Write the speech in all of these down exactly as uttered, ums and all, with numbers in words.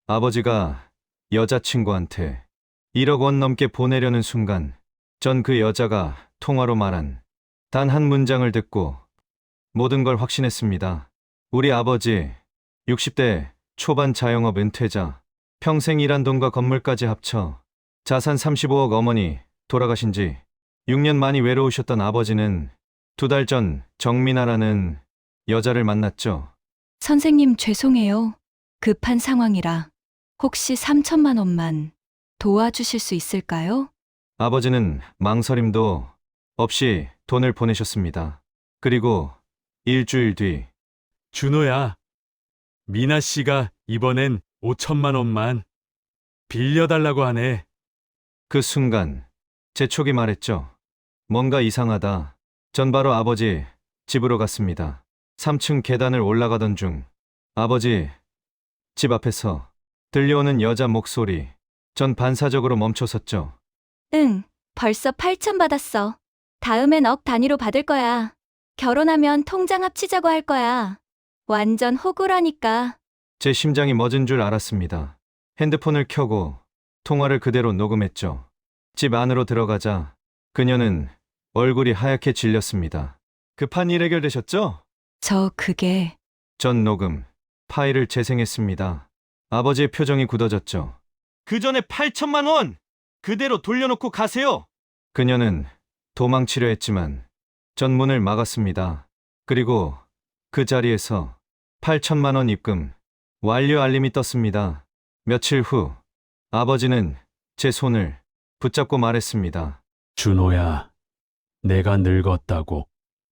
아버지가 여자친구한테 일억 원 넘게 보내려는 순간 전 그 여자가 통화로 말한 단 한 문장을 듣고 모든 걸 확신했습니다. 우리 아버지 육십 대 초반 자영업 은퇴자, 평생 일한 돈과 건물까지 합쳐 자산 삼십오억. 어머니 돌아가신 지 육 년 많이 외로우셨던 아버지는 두 달 전 정민아라는 여자를 만났죠. 선생님 죄송해요. 급한 상황이라 혹시 삼천만 원만 도와주실 수 있을까요? 아버지는 망설임도 없이 돈을 보내셨습니다. 그리고 일주일 뒤 준호야, 미나 씨가 이번엔 오천만 원만 빌려달라고 하네. 그 순간 제 촉이 말했죠. 뭔가 이상하다. 전 바로 아버지 집으로 갔습니다. 삼 층 계단을 올라가던 중 아버지 집 앞에서 들려오는 여자 목소리. 전 반사적으로 멈춰섰죠. 응, 벌써 팔천 받았어. 다음엔 억 단위로 받을 거야. 결혼하면 통장 합치자고 할 거야. 완전 호구라니까. 제 심장이 멎은 줄 알았습니다. 핸드폰을 켜고 통화를 그대로 녹음했죠. 집 안으로 들어가자 그녀는 얼굴이 하얗게 질렸습니다. 급한 일 해결되셨죠? 저 그게 전 녹음 파일을 재생했습니다. 아버지의 표정이 굳어졌죠. 그 전에 팔천만 원 그대로 돌려놓고 가세요. 그녀는 도망치려 했지만 전 문을 막았습니다. 그리고 그 자리에서 팔천만 원 입금 완료 알림이 떴습니다. 며칠 후 아버지는 제 손을 붙잡고 말했습니다. 준호야, 내가 늙었다고.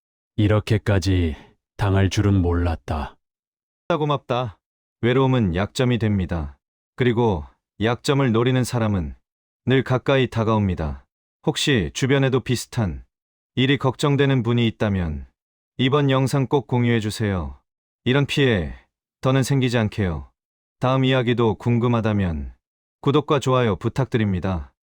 이렇게까지 당할 줄은 몰랐다. 고맙다. 외로움은 약점이 됩니다. 그리고 약점을 노리는 사람은 늘 가까이 다가옵니다. 혹시 주변에도 비슷한 일이 걱정되는 분이 있다면 이번 영상 꼭 공유해주세요. 이런 피해 더는 생기지 않게요. 다음 이야기도 궁금하다면 구독과 좋아요 부탁드립니다.